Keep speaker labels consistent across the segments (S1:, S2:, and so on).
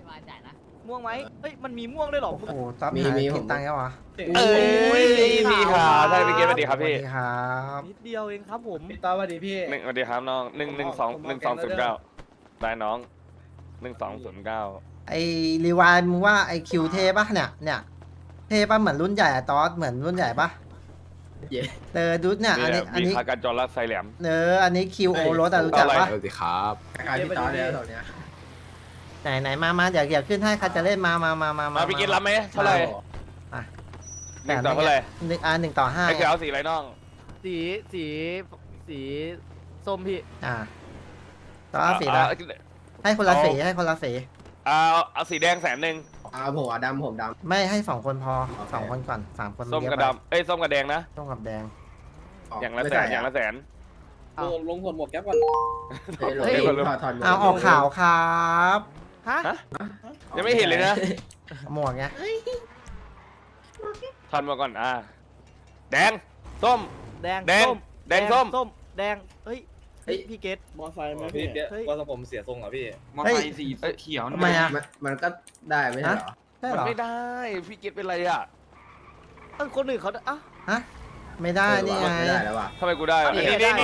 S1: ม่วงไหมเฮ้ยมันมีม่วงด้วยหรอ
S2: โอ้โหต๊อบหายกินตังค์แล้ววะ
S3: เอ้ยมีค่ะใช่พี่เกศสวัสดีครับพี่
S2: สวัสดีครับ
S1: นิดเดียวเองครับผม
S4: พี่ต้อสวัสดีพี่
S3: สวัสดีครับน้อง11209ได้น้อง1209
S2: ไอรีวานมึงว่าไอคิวเทปะเนี่ยเทปะเหมือนรุ่นใหญ่อะตอสเหมือนรุ่นใหญ่ปะดูเนี่ยอันนี้
S3: มีคาการจอรัสไซแหลม
S2: อันนี้คิวโอรสอะรู้จักปะ
S5: สวัสดีครับ
S4: ขายพี่ต้อสแล้วตอนเนี้ย
S2: ไหนมาเดี๋ยวขึ้นให้ใครจะเล่นมา
S3: พี่เกศรับไหมเท่าไหร่
S2: แต่
S3: 1 ต่อเท่าไหร่
S2: 1/5
S3: ไอ้เขียวสีอะไรน้อง
S1: สีส้มพี่
S2: ต่อสีละให้คนละสี
S3: เอาสีแดง100,000
S4: ผมดำผมด
S2: ไม่ให้2 คนพอ2 คนก่อน3 คน
S3: ส้มกับดำส้มกับแดงนะ
S2: ส้มกับแดง
S4: ำ
S3: อย่างละแสนอย่างละแสน
S4: ลงผลหมวกแก๊ปก่อนถอด
S2: เอาออกข่าวครับ
S1: ฮะ
S3: ยังไม่เห็นเลยนะ
S2: หมวกไง
S3: ทันมาก่อนแดงส้ม
S1: แดง
S3: แดง
S1: ส้ม
S3: แดงส้ม
S1: แดงเฮ้ยพี่เกต
S4: มอไซค์ไหม
S6: พี่
S4: พี่
S6: เกศว่าผมเสียทรงเหรอพี่
S5: มอไซค์สีเขียว
S2: ทำไมอะ
S4: มันก็ได้ไม่ใช่เหรอ
S2: ใช่
S3: มัน
S2: เหรอ
S3: ไม่ได้พี่เกศเป็นไรอ่ะ
S1: คนอื่นเขา
S2: ฮะไม่ได้นี่ไง
S4: ไม่ได้แล้วว่ะ
S3: ทำไมกูได้อ่ะ
S1: นี่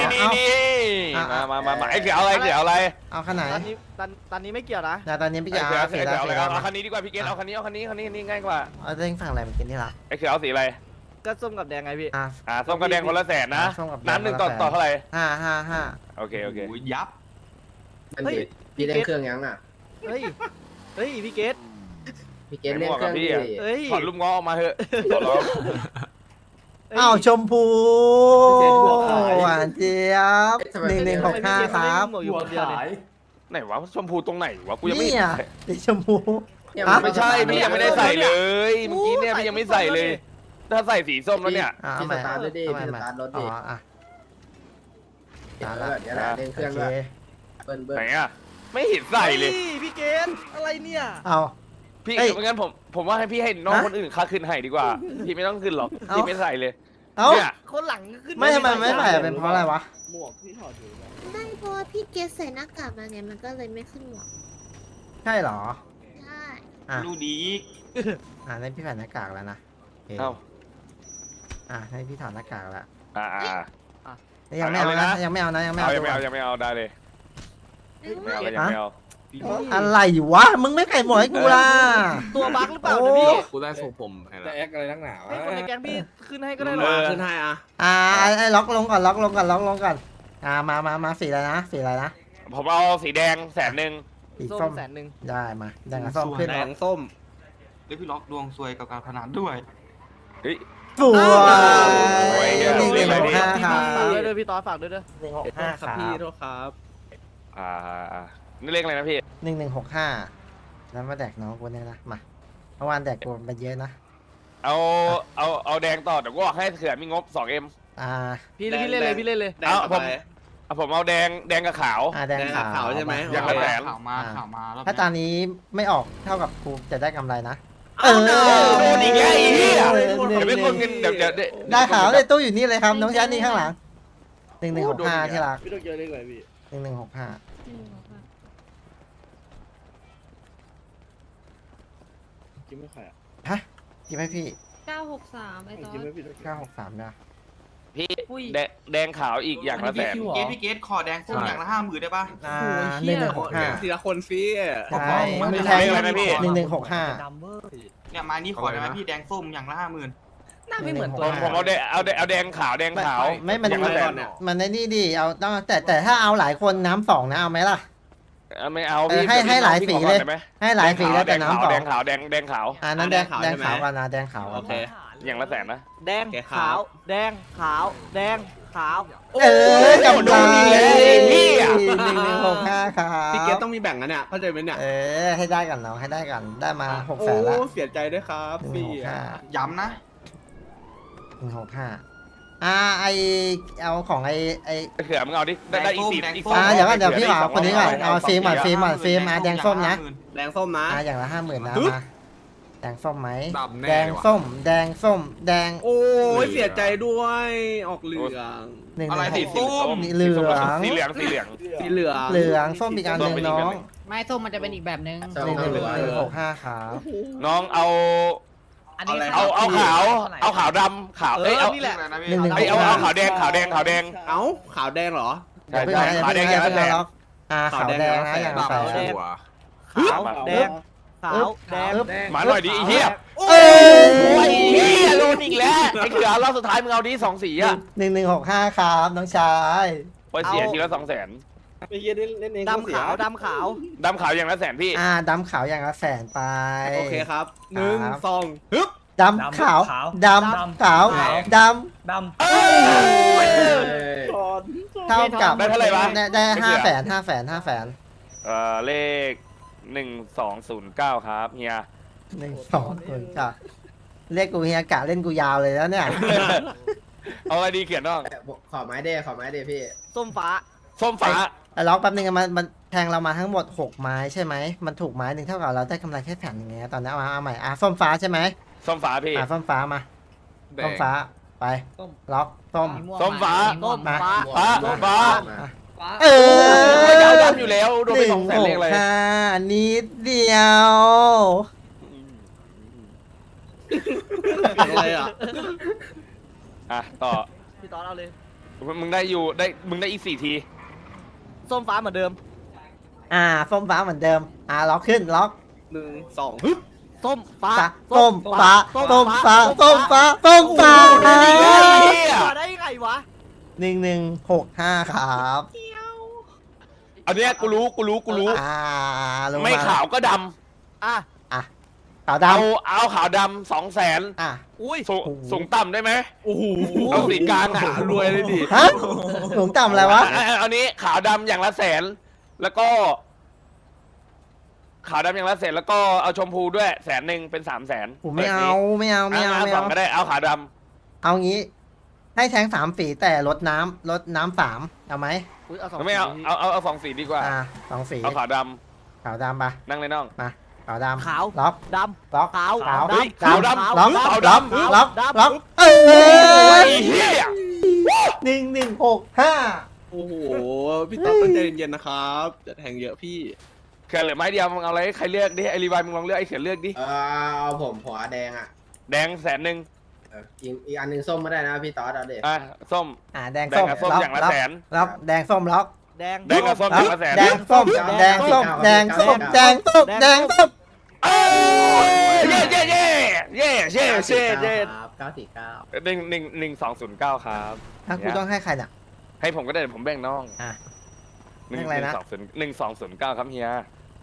S3: มาไอ้เขียวอะไร
S2: เอาขนาด
S1: ตอนนี้ไม่เกี่ยวนะ
S2: ตอนนี้พี่
S3: ไอ้
S2: ยา
S3: เขียว
S2: สี
S3: สี
S2: แล้ว
S3: อะไรเอาคันนี้ดีกว่าพี่เกศเอาคันนี้ง่ายกว่า
S2: เอาเร่งฝั่งอะไรมากินที่รัก
S3: ไอ้เขียวสีอะไร
S1: ก็ส้มกับแดงไงพี่
S3: ส้มกับแดงคนละแสนนะ
S2: ส้มกับแดง
S3: น้ำ1 ต่อเท่าไหร่
S2: 5
S3: โอเค
S5: ยับ
S4: พี่เล่นเครื่องยังอ่ะ
S1: เฮ้ยพี่เกต
S4: พี่เกณฑ์เล่นเครื่องพี่
S1: เฮ้ย
S3: ถอดลูกง้อออกมาเถอะขอร้อง
S2: อ้าวชมพูหวานเจี๊ยบ1165ครับ
S1: หมวกอยู่คนเดียวเนี่ย
S3: ไหนวะชมพูตรงไหนวะกูยังไม่
S2: นี่
S3: เห็น
S2: อ่ะสีชมพู
S3: ไม่ใช่พี่ยังไม่ได้ใส่เลยเมื่อกี้เนี่ยพี่ยังไม่ใส่เลย ถ้าใส่สีส้มแล้วเนี่ย
S4: พี่สตาร์ทด้วยดิพี่สตาร์ทรถดิ เดี๋ยวเล่นเครื่องด้วยเบิ้ล
S3: ไหนอ่ะไม่เห็นใส่เลย
S1: พี่เกตอะไรเนี่ย
S2: เอา
S3: พี่งั้นผมว่าให้พี่ให้น้องคนอื่นค่าขึ้นให้ดีกว่า พี่ไม่ต้องขึ้นหรอกพี่ไม่ใส่เลย
S2: เอา
S3: เนี่ย
S1: คนหลังขึ้น
S2: ไม่ทำไมไม่ใส่เป็นเพราะอะไรวะ
S4: หมวกพี่ถอดอยู่
S7: ไม่เพราะว่าพี่เกสใส่หน้ากากมาไงมันก็เลยไม่ขึ้นหมวก
S2: ใช่เหรอ
S7: ใช่
S5: ดูดี
S2: นั่นพี่ใส่หน้ากากแล้วนะ
S3: เอ้า
S2: ให้พี่ถอดหน้ากากแล้ว
S3: ยังไม่เอานะ
S2: ยังไม่เอา
S3: ได้เลยไม่เอา
S2: อะไรวะมึงไม่ใส่หมวกให้กูล่ะ
S1: ตัวบั๊กหรือเปล่าเนี่ยพี่
S5: กูได้ทรงผม
S6: จะแอคอะไรนักหนาว
S1: ให้คนในแก๊งพี่ขึ้นให้ก็ได้หรอ
S4: ขึ้นให้อ่ะ
S2: ไอ้ล็อกลงก่อนมาสีอะไรนะ
S3: ผมเอาสีแดง100,000
S2: สี
S1: ส้
S2: ส้
S1: ม
S2: ม
S1: 100,000
S2: ได้มาแดงกับส้มขึ้น
S5: แดงส้มแล้วพี่ล็อกดวงซวยกับการพนันด้วย
S3: เฮ้ย
S2: สวย165ครั
S1: ฝากด้วย
S2: บ
S1: เด้อพี่ต้อฝากด้วยเด้อ
S2: 165ครับ
S4: พี่โทษครับ
S3: นี่เลขอะไรนะพี่
S2: 1165แล้วมาแดกน้องกูเนี่ยนะมาเมื่อวานแดกกูไปเยอะนะ
S3: เอาแดงต่อเดี๋ยวกูบอกให้เขื่อนมีงบ 2M
S1: พี่เล่นเลย
S3: ผมเอาแดงกับขาว
S2: แดงขาว
S3: อย่างละแสน
S5: ข่าวมาแล้ว
S2: ถ้าตอนนี้ไม่ออกเท่ากับกูจะได้กำไรนะ
S3: โดนอีกแล้วไอ้เหี้ยเดี๋ยวไม่คนเงินเดี๋ยว
S2: ได้ขาวเลยตู้อยู่นี่เลยครับน้องยันนี่ข้างหลัง1165ที่รัก
S4: พี่ต้องเจอเลขอะไรพี่
S2: 1165
S4: กินไม่ใครอ่ะ
S2: ฮะกินไหมพี่
S7: 963ไอ้ตอ
S4: กิน
S7: น
S4: ไม่พี่
S2: 963นะ
S3: พี่แดงขาวอีกอย่างละแสน
S5: พี่เกตขอแดงส้มอย่างละ50,000ได้ป่ะ
S2: 1165
S4: ทีละคนฟี่
S2: ใช่ไม่แพง1165
S5: เนี่ยมานี่ขอได้ไหมพี่แดงส้มอย่างละ50,000
S1: หน้าไม่เหมือนตัว
S3: ผมเอาแดงขาว
S2: ไม่มัน
S3: อย่างละแสน
S2: มันในนี่ดิเอาต้องแต่ถ้าเอาหลายคนน้ำ2นะเอาไหมล่ะ
S3: ไม่เอาพี่
S2: ให้หลายสีเลย ให้หลายสีแล้วแต่น้ำ2
S3: แดงขาว
S2: นั้นแดงขาวกันนะแดงขาว
S4: โอเค
S3: อย่างละแสนนะ
S1: แดงขาวแดงขาวแดงขาว
S2: กำไร1165ครับ
S4: พี่เกตต้องมีแบ่งนะเนี่ยเข้าใจไหมเนี่ย
S2: ให้ได้กันเนาะให้ได้กันได้มา600,000แล้ว
S4: เสียใจด้วยครับพี่
S5: ย้ำนะ
S2: 165ไอเอาของไอ
S3: เขื่อนมึงเอาดิได้อีกสี
S2: เดี๋ยวพี่เอาคนนี้ก่อนเอาฟิล์มแดงส้มนะ
S4: แดงส้มนะ
S2: อย่างละ50,000นะมาแดงส้มไหม
S5: ดำแน่
S2: แดงส้มแดง
S4: โอ้ยเสียใจด้วยออกเหลือง
S2: 1
S5: อะไร
S2: 1
S5: สีส้ม
S2: เหลือง
S3: สีเหลือง
S4: สีเหลือง
S2: เหลืองส้มอีกอันหนึ่งน้อง
S8: ไม้ส้มมันจะเป็นอีกแบบนึง
S2: 11165ครับ
S3: น้องเอา
S8: อันนี้
S3: เอาขาวเอาขาวดำขาวเอ้ยเอา
S1: นี่แหละ
S3: เอ้ยเอาขาวแดงขาวแดงขาวแดง
S1: เอ้าขาวแดงเหรอ
S3: ใช่
S2: เพิ่ง
S3: ใช่
S2: นะ
S3: ขาวแดง
S2: เพิ่
S3: อย่าง
S2: ง
S3: ละแส
S2: นะ
S3: น
S2: ล็อกขาวแดงนะอย่างละแสน
S1: ขาวแดง ขาวแดงขาวแดง
S3: มาหน่อยดิไอ้เหี้ย
S2: เอ้
S3: โอ้ย
S2: ย
S3: เหี้ยโดนอีกแล้วไอ้เขือรอบสุดท้ายมึงเอาดิ2 สีอ่ะ
S2: 1165ครับน้องชาย
S3: ไปเสียทีละ200,000
S4: ไอ้เหี้ยเล่นเอง
S1: ดำขาวดำขาว
S3: ดำขาวอย่างละ100,000พี่
S2: ดำขาวอย่างละแสนไป
S1: โอเคครับ
S2: ครับ
S1: 1 2ฮึบ
S2: ดำขาวดำขาวดำเท่ากับ
S3: ได้เท่าไหร่วะ
S2: ได้500,000
S3: เลข1209ครับเฮีย
S2: 1 2 0จ้ะเรียกกูเฮียกะเล่นกูยาวเลยแล้วเนี่ย
S3: เอาอะไรดีเขียนน้อง
S6: ขอไม้เด้พี่
S1: ส้มฟ้า
S3: ส้มฟ้า
S2: ล็อกแป๊บนึงมันแทงเรามาทั้งหมด6ไม้ใช่ไหมมันถูกไม้หนึ่งเท่ากับเราได้กำไรแค่แผ่นอย่างเงี้ยตอนนี้เอาใหม่ส้มฟ้าใช่ไหม
S3: ส้มฟ้าพี่
S2: ส้มฟ้ามาส้มฟ้าไปล็อกส้ม
S3: ส้มฟ้า
S1: ส้ม
S2: มา
S1: ฟ้า
S3: ฟ้าฟ้า
S2: เอ
S3: โอ้ย
S2: อ
S3: ดาวดำอยู่แล้วโดนไป200,000เลขอะไร
S2: 165นิดเดียว
S1: อะไรอ่ะ
S3: อ่ะต่อ
S1: พี่ตอนเอาเลย
S3: มึงได้อีก4 ที
S1: ส้มฟ้าเหมือนเดิม
S2: ส้มฟ้าเหมือนเดิมล็อกขึ้นล็อก
S1: 1 2ฮึบส้มฟ้า
S2: ส้มฟ้าส้มฟ้าส้มฟ้าส้มฟ้า
S1: มาได้ยังไงวะ
S2: 1165ครับ
S3: อันเนี้ยกูรู้
S2: รู้
S3: ไม่ขาวก็ด
S1: อ่ะ
S2: ขาว
S3: ำ
S2: ด
S3: เอาขาวดำ200,000
S1: อุ้ย
S3: สูงต่ำได้ไหม
S1: โอ้โห
S3: เอาสีกลางอ่ะรวยเลยดิ
S2: ฮะสูงต่ำอะไรวะ
S3: อันนี้ขาวดำอย่างละ100,000แล้วก็ขาวดำอย่างละ100,000แล้วก็เอาชมพูด้วย100,000เป็น300,000
S2: ผมไม่เอา
S3: สองก็ได้เอาขาวด
S2: เอางี้ ให้แทง3 ฝีแต่ลดน้ำ3เอาไหม
S1: อุ้ยเอาสอง
S3: ำไม่เอา2 สีดีกว่า
S2: 2 ฝี
S3: เอาขาวด
S2: ขาวดำปะ
S3: ำนั่งเลยน้อง
S2: ขาวดำ
S1: ขาว
S2: ล็อก
S1: ด
S2: ล็อก
S1: ำขาว
S3: เฮ้ยขาวดำ
S2: ล็อก
S3: ขาว
S2: ล็อก
S3: ดำ
S2: ล็อกล็อกเอ
S3: โอ้
S2: อย
S3: เฮีย
S2: 1165
S1: โอ้โหพี่ต๊อบต้องใจเย็นๆนะครับจะแทงเยอะพี่
S3: เขื่อนเหลือไม้เดียวมึงเอาอะไรให้ใครเลือกดิไอรีวายมึงลองเลือกไอเขื่อนเลือกดิ
S6: เอาผมหัวแดงอ่ะ
S3: แดง100,000
S6: อีกอันนึงส้มไม่ได้นะพี่ต๊อดเอาเด็ก
S3: ส้ม
S2: แดง
S3: แด
S2: ส้
S3: ง
S2: ม
S3: กับส้มอย่างละ
S2: ล็อก
S3: 100,000
S2: ล็อกแดงส้มล็อก
S1: แดง
S3: แดงกับส้มอย่างละ100,000
S2: แดงส้มแดงส้มแดงส้มแดงส้มแดงส้ม
S3: เอ้ยเย่1209ครับ
S2: ถ้ากูต้องให้ใครเนี่ย
S3: ให้ผมก็ได้ผมแบ่งน้อง
S2: เลขอะไรนะ
S3: 1209ครับเฮีย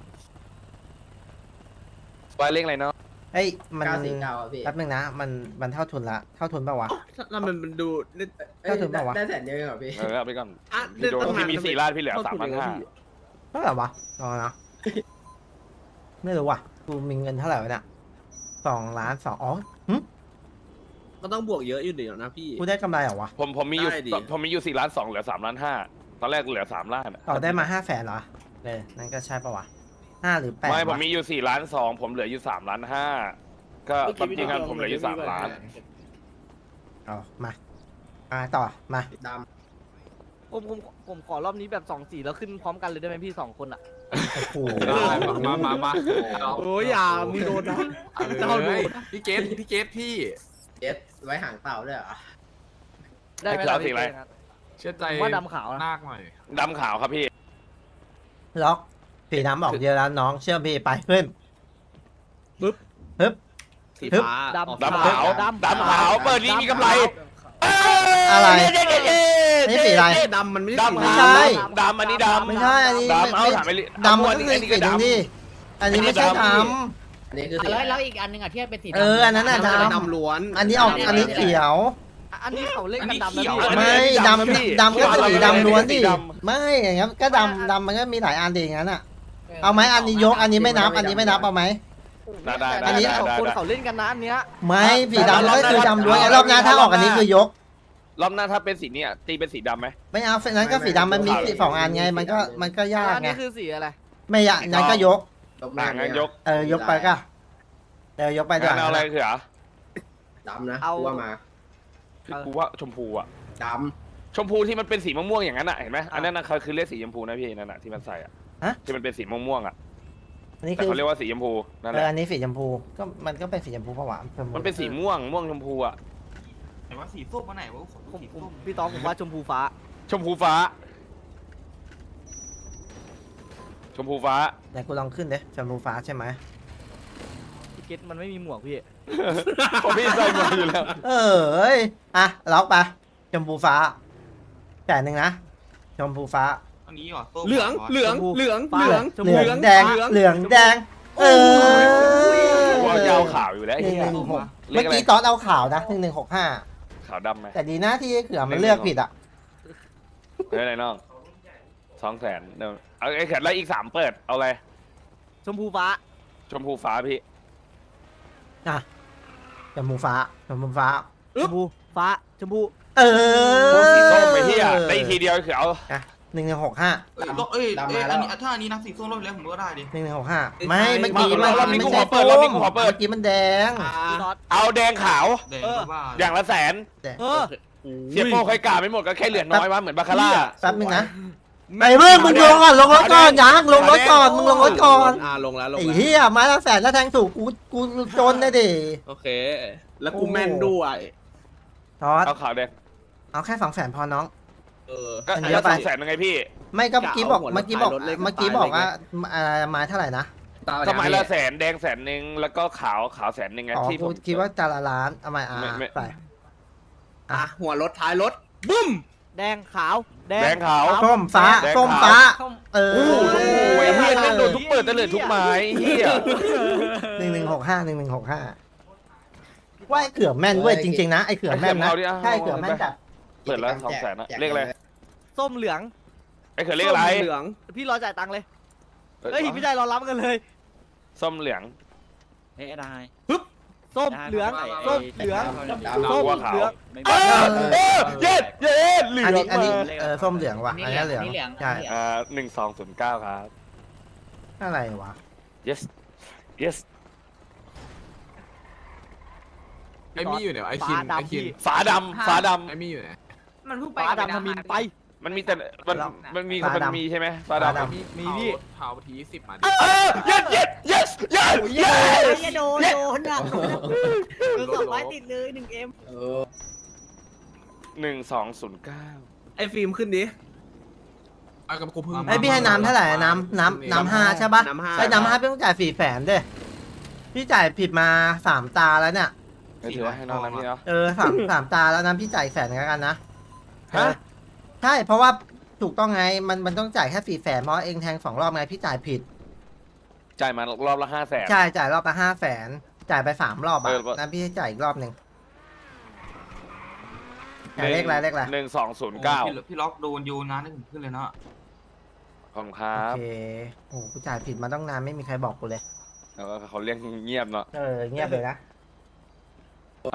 S3: ว่าเลขอะไรเนาะ
S2: เฮ้ยมัน
S6: 949พี่
S2: แป๊บนึงนะมันเท่าทุนละเท่าทุนป่าวะ
S1: แล้วมันดู
S2: ก็ถึงบอกว่า
S6: ได้แสนเดียวเหรอพี่
S3: เอาไปก่อน
S1: อ่ะ
S3: พี่โดนพี่มี4 ล้านพี่เหลือ 3,500
S2: เท่าไหร่วะรอนะไม่รู้ว่ะกูมีเงินเท่าไหร่วะเนี่ย2,200,000อ๋อ
S1: ก็ต้องบวกเยอะอยู่เดี๋ยวนะพี่
S2: กูได้กำไรเหรอวะ
S3: ผมมีอยู่
S1: ได้ดิ
S3: ผมมีอยู่4.2 ล้านเหลือ3.5 ล้านตอนแรกเหลือ3 ล้าน
S2: ต่อได้มา500,000เหรอนั่นก็ใช่ป่าวะ5 หรือ 8
S3: ไม่ผม
S2: วะ
S3: มีอยู่4.2 ล้านผมเหลืออยู่3.5 ล้านก็ความจริงกันผมเหลืออยู่3 ล้าน
S2: เอามาต่อมา
S6: ด
S1: ผมขอรอบนี้แบบ2 สีแล้วขึ้นพร้อมกันเลยได้ไหมพี่2 คนอ่ะ
S2: โอ้โห
S5: มา
S1: โอ้ยอย่ามีโดนนะเจ้าดู
S5: พี่เกตพี่
S6: ำเจ็ดไว้หางเต่าด้วยเหรอ
S1: ได้ไหม
S3: ไอ้ขาวสีอะไร
S5: เชื่อใจ
S1: ว่าดำขาวนะ
S5: นาคหน่อย
S3: ดำขาวครับพี่
S2: ล็อกสีน้ำออกเยอะแล้วน้องเชื่อพี่ไปขึ้นปึ๊บ
S1: สีฟ้า
S3: ดำขาวเปิดนี้มีกำไร
S2: อะไร
S3: เย้
S2: นี่สีอะไร
S1: ดำมันไม่
S3: ดำ
S2: ไม่
S3: ขาว
S2: ใช่
S3: ดำอันนี้ดำ
S2: ไม่ใช่อันนี้
S3: ดำเอาถามไป
S2: ดำมันก็คือ
S3: อัน
S2: สี
S3: นี้ก็
S2: หนึ่ง
S3: ดำ
S2: ดิอันนี้ไม่ใช่ด
S6: อันนี้คือสี
S8: แล้วอีกอันนึงอ่ะที่เป็นสี
S2: ำอันนั้นน่ะด
S1: ดำล้วน
S2: ำอันนี้ออกอันนี้เขียว
S1: อันนี้เขาเล่นกันดำนะพี่
S2: ไม่ดำก็สีดำล้วนดิไม่อย่างงั้นก็ดำมันก็มีหลายอันดิอย่างนั้นอ่ะเอาไหมอันนี้ยกอันนี้ไม่นับอันนี้ไม่นับเอาไหม
S3: ได้
S1: อันนี้คนเขาเล่นกันนะอันเนี้ย
S2: ไม่สีดำก็คือดำล้วนไอ้รอบหน้าถ้าออกอันนี้คือยก
S3: รอบหน้าถ้าเป็นสีนี้ตีเป็นสีดำไหม
S2: ไม่เอานั้นก็สีดำมันมีสี2 อันไงมันก็ยาก
S1: อัน
S2: ไง
S1: นี้คือสีอะไร
S2: ไม่ยากนั้นก็ยก
S3: งั้นยก
S2: ยกไปก็ยกไปด้วย
S3: งั้นเอาอะไรเขือ
S6: ดำนะกูว่ามา
S3: กูว่าชมพูอะ
S6: ด
S3: ชมพูที่มันเป็นสีม่วงๆอย่างนั้นอะเห็นไหมอันนั้นคือเรียกสีชมพูนะพี่นั่นอะที่มันใส่อะ
S6: ำ
S3: ที่มันเป็นสีม่วงๆอ่ะ
S2: อันนี้
S3: แต่
S2: คือ
S3: เขาเรียกว่าสีชมพูนั่นแหละ
S2: อันนี้สีชมพูก็มันก็เป็นสีชมพูผวา
S3: มันเป็นสีม่วงชมพูอ่ะ
S5: ไหนว่าสีส้มมาไหนวะขอดูสีส้ม
S1: พี่ตองผมว่าชมพูฟ้า
S3: ชมพูฟ้า ชมพูฟ้า
S2: ไหนกูลองขึ้นเด้ชมพูฟ้าใช่ไหม
S1: พี่เกตมันไม่มีหมวกพี่
S3: ผมพี่ใส่หมดอยู่แล้ว
S2: เอ้ยอ่ะล็อกไปชมพูฟ้าแต่หนึ่งนะชมพูฟ้า
S5: อันนี้เหรอส้ม
S4: เหลือง เหลือง เหลือง
S1: ฟ้า
S4: เหลือง
S1: ชมพู
S2: เหลืองแดง
S4: เหลือง
S2: เหลืองแดง
S3: ว่ายาวขาวอยู่แล้วไอ้
S2: หนึ่ง
S3: เหี้ย
S2: หนึ่งหก
S3: เล
S2: เมื่
S3: ข
S2: อ
S3: อะไร
S2: กี้ตอนเอาข่าวนะ1165
S3: ขาวดำไหม
S2: แต่ดีนะที่เขือมันเลือกผิดอ่ะ
S3: เฮ้ยอะไรน้อง200,000เดี๋ยวเอาไอ้แขนแล้วอีก3เปิดเอาอะไร
S1: ชมพูฟ้า
S3: ชมพูฟ้าพี่
S2: อ่ะชมพูฟ้าชมพูฟ้า
S1: ชมพูฟ้าชมพู
S2: เออ
S3: พวกสีส้มไปเหี้ยได้อีกทีเดียวคือเอา
S2: อ่ะ1165
S5: เอ้ยอันนี้ถ้าอันนี้นับสีส้มรอบแล้วผมก็ได้ดิ
S2: 1165ไม่เมื่อกี้มัน
S3: รอบนี้
S2: ไม่
S3: กู
S2: ใช่
S3: ขอเปิดรอบนี้กูขอเปิด
S2: เมื่อกี้มันแดง
S1: พี่น็อต
S3: เอาแดงขาว
S5: แดงก็บ้า
S3: อย่างละ100,000
S1: เออ
S3: เสียโป้ใครกาไม่หมดก็แค่เหลือน้อยวะเหมือนบาคาร่า
S2: แป๊บนึงนะไอ้มึงลงก่อนลงรถก่อนยังลงรถก่อนมึงลงรถก่อน
S4: ลงแล้วลง
S2: ไอ้
S4: แล้ว
S2: เหี้ยไม้ละแสนแล้วแทงถูกกูจนเลยดิ
S4: โอเค แล้วกูแม่นด้วย
S2: ทอด
S3: เอาขาวแดง
S2: เอาแค่200,000พอน้อง
S4: เออ
S3: ก็
S2: อันเดียวไป
S3: 200,000ยังไงพี่
S2: ไม่ก็เมื่อกี้บอก
S4: กะเอาหัว
S2: เมื่อกี้บอก
S4: รถเลข
S2: เมื่อกี้บอก
S4: ตายเลย
S2: ว่าไม้เท่าไหร่นะ
S3: สมัยละ100,000แดง100,000แล้วก็ขาว100,000ไง
S2: อ๋อ
S3: ที่ผ
S2: กู
S3: ม
S2: คิดว่าจานละล้านเอามา
S3: ไม่
S2: ใส่
S4: อ่ะหัวรถท้ายรถ บึ้ม
S1: แดงขาว
S3: แดงขาว
S2: ส้มฟ้า
S3: แดงขาว
S2: ส้มฟ้า เออ
S3: โอ้โหชมพูไอ้เหี้ยแม่งโดนทุกเปิดตะเลิดทุกไม้เหี้ย
S2: 1165ว่าไอ้เขือแม่นเว้ยจริงๆนะไอ้เขือแม่นนะใช่เขือแม่นจัด
S3: เปิดแล้ว200,000นะเลขอะไร
S1: ส้มเหลือง
S3: ไอ้เขือเลขอะไร
S4: เหลือง
S1: พี่รอจ่ายตังค์เลยเฮ้ยพี่ได้รอรับกันเลย
S3: ส้มเหลือง
S9: เฮ้ยได้
S1: ส้มเหลืองส้มเหลือง
S3: ส้มขาว
S1: เหลือง
S3: เย็ดเหลือง
S2: อันนี้
S3: มา
S2: ส้มเหลืองว่ะ
S8: นี่
S2: อัน
S8: เหลื
S2: นี้
S8: อง
S2: เหลือง
S8: นี่เหลือง
S2: ใช่
S3: 1209ครับ
S2: อะไรวะ
S3: yes yes
S1: ไอ้มี่อยู่ไหนไอ้คินไอ้คิน
S3: ฝาดำฝาดำ
S4: ไอ้มี่อยู่ไหน
S8: มันเพิ่งไป
S1: ฟ้าดำทมินไป
S3: มันมีแต่มันมีใช่ไหมฝาดำ
S1: มีพี่
S4: เผาที10มา
S3: yes yes yes yes
S8: อย่าโดนอ่ะคือ200ติดเลย1M
S3: 1209
S4: ไอ้ฟิล์มขึ้นดิเอากับกูพึ่ง
S2: ไอ้พี่ให้น้ำเท่าไหร่น้ำ5ใช่ปะ
S4: น้ำห้า
S2: ไอ้น้ำ5พี่ต้องจ่าย400,000ด้วยพี่จ่ายผิดมา3ตาแล้วเนี่ย
S3: ไม่ถือว่าให้น้องนะพี่เนาะ
S2: สามตาแล้วนะพี่จ่าย100,000กันนะ
S3: ฮะ
S2: ใช่เพราะว่าถูกต้องไงมันต้องจ่ายแค่400,000เพราะเองแทง2 รอบไงพี่จ่ายผิด
S3: จ่ายมารอบละ500,000
S2: ใช่จ่ายรอบละ500,000จ่ายไป3 รอบอ่ะ
S3: เออ
S2: นะพี่ให้จ่ายอีกรอบหนึ่งจ่ายเลขอะไร
S3: 1209
S5: พี่ล็อกโดนโยนนะให้ผมขึ้นเลยนะ
S3: ขอบคุณครั
S2: โอบ เคโอ้กูจ่ายผิดมาต้องนานไม่มีใครบอกกูเลย
S3: แล้วก็เขาเรียกเงียบเนาะ
S2: เงียบเลยนะ
S3: เอา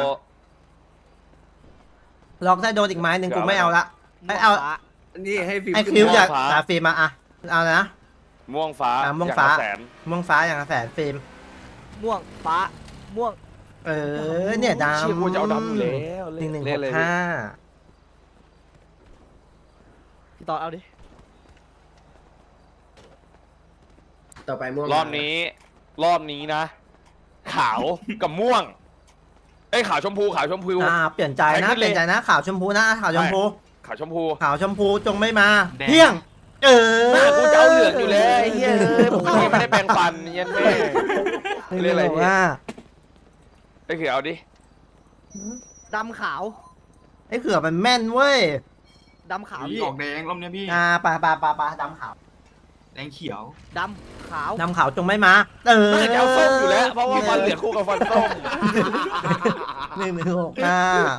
S2: ล็อกได้โดนอีกไม้หนึ่งกูไม่เอาละไม่เอา
S1: ฟ้า
S4: นี่ให้ฟิล์ม
S2: ไอ้
S4: ขึ้น
S2: ฟิว
S3: ม่วง
S2: จาก
S3: ฟ้า
S2: ฟิล์มมาอ่ะเอาเลยนะ
S3: ม่วงฟ้า
S2: ม่วงฟ้า
S3: อย่ละแสน
S2: ม่วงฟ้าอย่างละ100,000ฟิล์ม
S1: ม่วงฟ้าม่วง
S2: เนี่ยดำ
S3: เชี่ยกูจะเอาดำอยู่แล้ว
S2: 1165
S1: พี่ตอนเอาดิ
S6: ต่อไปม่วง
S3: รอบนี้นะ ขาวกับม่วงเอ้ยขาวชมพู
S2: เปลี่ยนใจนะ
S3: ใครขึ้น
S2: เปลี่ยนใจนะขาวชมพูนะขาวชมพู
S3: ขาวชมพู
S2: ขาวชมพูจงไม่มา
S5: แดง
S2: เที่ยง
S3: หน้ากูจะเอาเหลืองอยู่แล้วไอ้เหี้ยผมยังไม่ได้แปรงฟันเย็นแม่ เรียกอะไรพี่
S2: ว่า
S3: ไอ้เขียวเอาดิ
S1: ดำขาว
S2: ไอ้เขือมันแม่นเว้ย
S1: ดำขาว
S5: พี่
S1: พี่
S5: ออกแดงรอบเนี้ยพี่
S2: ปลาดำขาว
S5: แดงเขียว
S1: ดำขาว
S2: ดำขาวจงไม่มา
S3: น่าจะเอาส้มอยู่แล้ว เพราะว่าฟันเหลืองคู่กับฟันส้ม
S2: 1165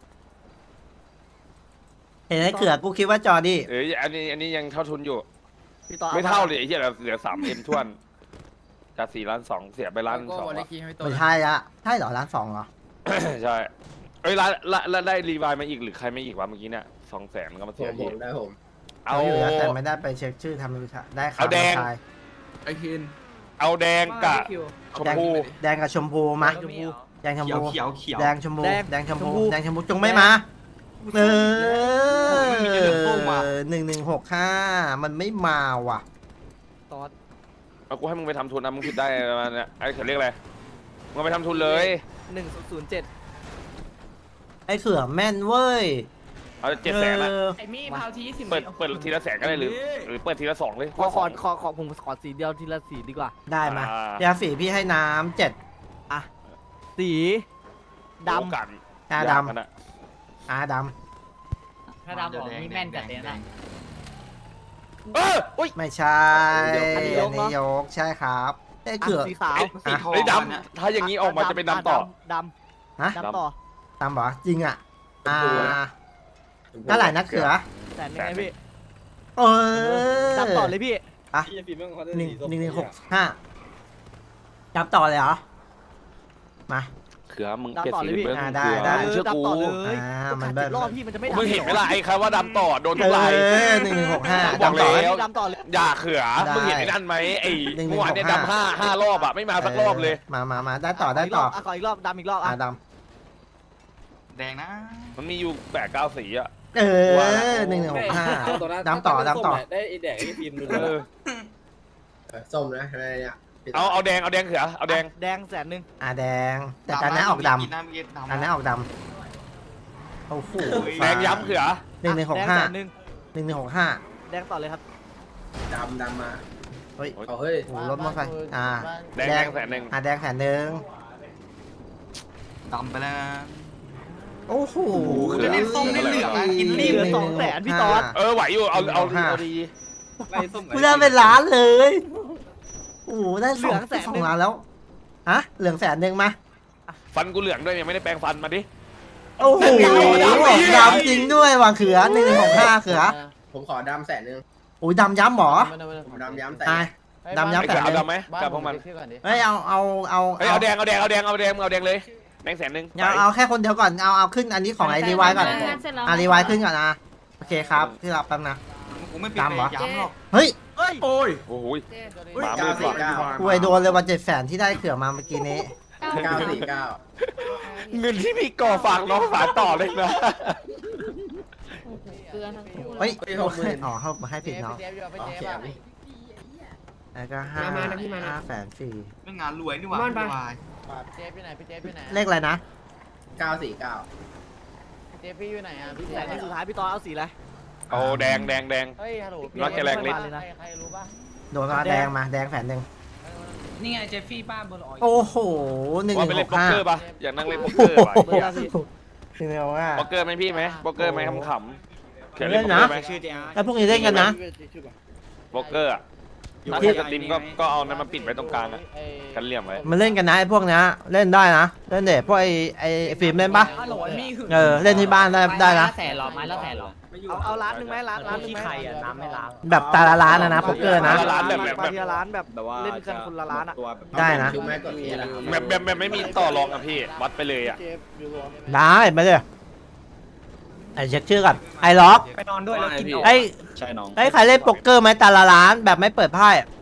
S2: เห็นไอ้เขือกูคิดว่าจอดี้
S3: อันนี้ยังเท่าทุนอยู่
S1: พี่ตอน
S3: ไม่เท่าเลยไอ้เหี้ยเหลือ3M ทวนจาก4,200,000เสียไป1,200,000
S2: ไม่ใช่ละใช่เหรอ1,200,000เหรอ
S3: ใช่เอ้ยแล้วได้รีวายมาอีกหรือใครไม่อีกวะเมื่อกี้เนี่ย200,000ก็มา
S6: ผ
S3: เสีย
S6: ม
S3: ที
S6: ได้ผม
S3: เอา
S2: อยู่แล้วแต่ไม่ได้ไปเช็คชื่อทำวิชาได้ข่าว
S3: เอาแดง
S2: ชาย
S4: ไอ้คิน
S3: เอาแดงกับชมพู
S2: แดงกับชมพูมา
S1: ชมพู
S2: แดงชม
S5: เขียว
S2: พู
S5: เขียวเขียว
S2: แดงชมพู
S1: แดง
S2: แดงชมพู
S1: ชมพู
S2: แดงชมพูจงไม่มา
S5: มันมีแต่เหลืองส้มว่ะ
S2: 1165มันไม่มาว่ะ
S1: ตอส
S3: เอากูให้มึงไปทำทุนนะมึงผิดได้ประมาณเนี้ยไอ้เขาเรียกอะไรมึงเอาไปทำทุนเลย
S1: 1007
S2: ไอ้เขื่อแม่นเว้ย
S3: เอา700,000นะ
S8: ไอ้มี่พาวที20
S3: เปิดทีละแสนก็ได้หรือเปิดทีละ2เลย
S1: ขอผมขอสีเดียวทีละสีดีกว่า
S2: ได้มายาสีพี่ให้น้ำ7
S1: อ่ะสีดำ
S3: กัน
S2: อาดำ
S3: กันอะ
S2: อาด
S8: ถ้าดำบอกนี่แม่นจัดเลยนะ
S3: อุ้ย
S2: ำไม่ใช่
S1: อันนี้ยกเนอะ
S2: ยกใช่ครับไอ้
S1: อ่ะ
S2: เขื่อ
S1: สีขาว
S5: สีทอง
S3: ไอ้ย
S5: เนี่ย
S3: ดำถ้าอย่างนี้ออกมาจะเป็นดำต่อ
S1: ด
S2: ฮะ
S1: ำดำต่อ
S2: ตามบอกจริงอ่ะเท่าไหร่นะเขือ
S1: แสนหนึงไงพี่
S2: เออ
S1: ดำต่อเลยพี่
S4: พี่ฟิล์มแม่งเขาจะ
S2: หนึ่ง
S4: สีส้ม
S2: หนึ่งหนึ่งหกห้าจับต่อเลยเหรอมา
S3: เขือมึงเปลี่ยนสีเบิ้ง
S2: ได้
S3: เขือ
S2: ได้
S3: มึงเชื่อกู
S1: ดำต่อเลย
S2: มัน
S1: เจ็
S2: เบิ้
S1: ด
S2: ล
S1: รอบพี่มันจะไม่ดำ
S3: มึงเห็นไหมล่ะไอ้คำว่าดำต่อโดนทุกลาย
S2: 1165
S3: บอก
S2: ดำต่อ
S3: แล้ว
S1: ดำต่อเลย
S3: อย่าเขือ
S2: ได้
S3: มึงเห็นไอ้นั่นไหมไอ้
S2: หนึ่ง
S3: เมื่อวานเนี่ย
S2: 165
S3: ดำห้ารอบอะไม่มาสักรอบเลย
S2: มาได้ต่อได้ต่อ
S1: ขออีกรอบดำอีกรอบ
S2: อ่ะ
S1: อ่ะ
S2: ด
S5: แดงนะ
S3: มันมีอยู่8-9 สีอะ
S2: ำ1165ดำต่อ
S4: ได้ไอ้แดกไอ้ฟิล์มดู
S3: เออ
S6: ส้มนะอะไรเนี่ย
S3: เอาแดงเขือเอาแดง
S1: แดงแสนหนึง
S2: แดงแต่การนั้นออกด
S5: กินน้ำเย็น
S2: ำ
S5: ดำ
S2: อันนั้นออกดำโอ้โห
S3: แดงย้ำเขือ
S2: หนึ่งหนึ่งหก
S1: แดง
S2: ห้า
S1: แสนหนึง
S2: 1165
S1: แดงต่อเลยครับ
S6: ดำมา
S2: เฮ้ย
S6: เอาเฮ้ย
S2: โอ้โหรถมอเตอร์ไซค์
S3: แดง100,000
S2: แดงแสนหนึ่ง
S5: ดำไปแล้ว
S2: โอ้โห
S3: จะเน้นส้มเน้นเหลืองอะกินรีบ
S1: เหลือ200,000พี่ตอส
S3: ไหวอยู่เอาดี
S4: ไล่ส้ม
S2: กูได้เป็นล้านเลยโอ้โหได้
S1: เหลืองแสน
S2: สอ
S1: หนึ่
S2: ง
S1: ง
S2: ล้านแล้วฮะเหลืองแสนหนึ่งมา
S3: ฟันกูเหลืองด้วยยังไม่ได้แปรงฟันมาดิ
S2: โอ้โหดำจริงด้วยว่ะเขือ1165เขือ
S6: ผมขอดำ100,000
S2: โอ้ยดำย้ำหมอ
S6: ผมดำย้ำแต่
S2: ตายดำย้ำ
S3: ไอ้
S2: แส
S3: เขือน
S2: ห
S3: เอา
S2: นึ่ง
S3: ดำไหมกับพวกมัน
S2: เฮ้ยเอา
S3: เฮ้ยเอาแดงเอาแดงเลยแดง100,000
S2: เอาแค่คนเดียวก่อนเอาขึ้นอันนี้ของไอรีไวก่อนรีไวขึ้นก่อนนะโอเคครับที่รับแป๊บนะ
S5: กูไม่เปลี่ยน
S2: ดำเหรอ
S5: ย้ำหรอก
S2: เฮ้ย
S1: เฮ้ย
S3: โอ้ยหมามืดว่ะ
S6: 949
S2: อวยโดนเลยวัน700,000ที่ได้เขือมาเมื่อกี้นี้
S6: 949
S3: เงินที่พี่ก่อฝากน้องฝากต่อเลยนะ
S7: เกลือทั้งคู่
S2: เฮ้ย
S6: เฮ้ย60,000
S2: อ๋อเขาให้ผิดเนาะ
S6: โอเคพี่
S2: แล้วก็5,400,000
S5: ไม่งานรวยนี่หว่า
S8: ม่อนปะ
S5: ไม่วาย
S8: เจฟอยู่ไหนพี่เจฟอยู่ไหน
S2: เลขอะไรนะ
S6: 949
S8: เจฟพี่อยู่ไหนอ่ะพี่
S1: แสนหนึงสุดท้ายพี่ตอสเอาสีอะไร
S3: เอาแดง
S8: เฮ้ยฮัลโหล
S3: รักจะแรงลิ้น
S8: ใครรู้ป่ะ
S2: โดนมาแดงมาแดง100,000
S8: นี่ไงเจฟฟี่ป้าบนออย
S2: โอ้โห
S3: ว่าไปเล่นโป๊กเกอร์
S2: 1165
S3: ป่ะอยากนั่งเล่นโป๊กเกอร์ป่ะ
S1: เบอร์ละพี่
S3: โป๊กเกอร์ไหมพี่ไหมโป๊กเกอร์ไหมขำๆเขียน
S2: เล่
S3: เล่น
S2: น
S3: โป๊ก
S2: นะ
S3: เกอร์ไหม
S2: แล้วพวกนี้เล่นกันนะ
S3: โป๊กเกอร์อะถ้าเกิดสตรีมก็เอานั้นมาปิดไว้ตรงกลางอะกันเหลี่ยมไว้
S2: มันเล่นกันนะไอ้พวกเนี้ยเล่นได้นะเล่นเด็พวกไอ้ฟิล์มเล่นปะ
S8: ฮัลโหลมี่คือ
S2: เล่นที่บ้านได้นะ
S8: แสนหรอไม้ละแสนหรอ
S1: เอาร้านหนึงไหมร้านหนึงไหม
S8: น้ำไม่ล้าง
S2: แบบแต่ละร้านนะโป๊กเกอร์นะ
S3: ร้านแบบ
S1: มาทีละร้านแบบเล่นกันคนละร้านอ่ะ
S2: ได้นะ
S6: ดูแม่กดเอแล้ว
S3: แบบไม่มีต่อรองอะพี่วัดไปเลยอะ
S2: ได้ไปเลยไอ้เช็คชื่อก่อนไอ้ล็อก
S8: ไปนอนด้วยแล้วกินออก
S2: ไอ้
S4: ใช่น้อง
S2: ไอ้ใครเล่นโป๊กเกอร์ไหมแต่ละร้านแบบไม่เปิดไพ่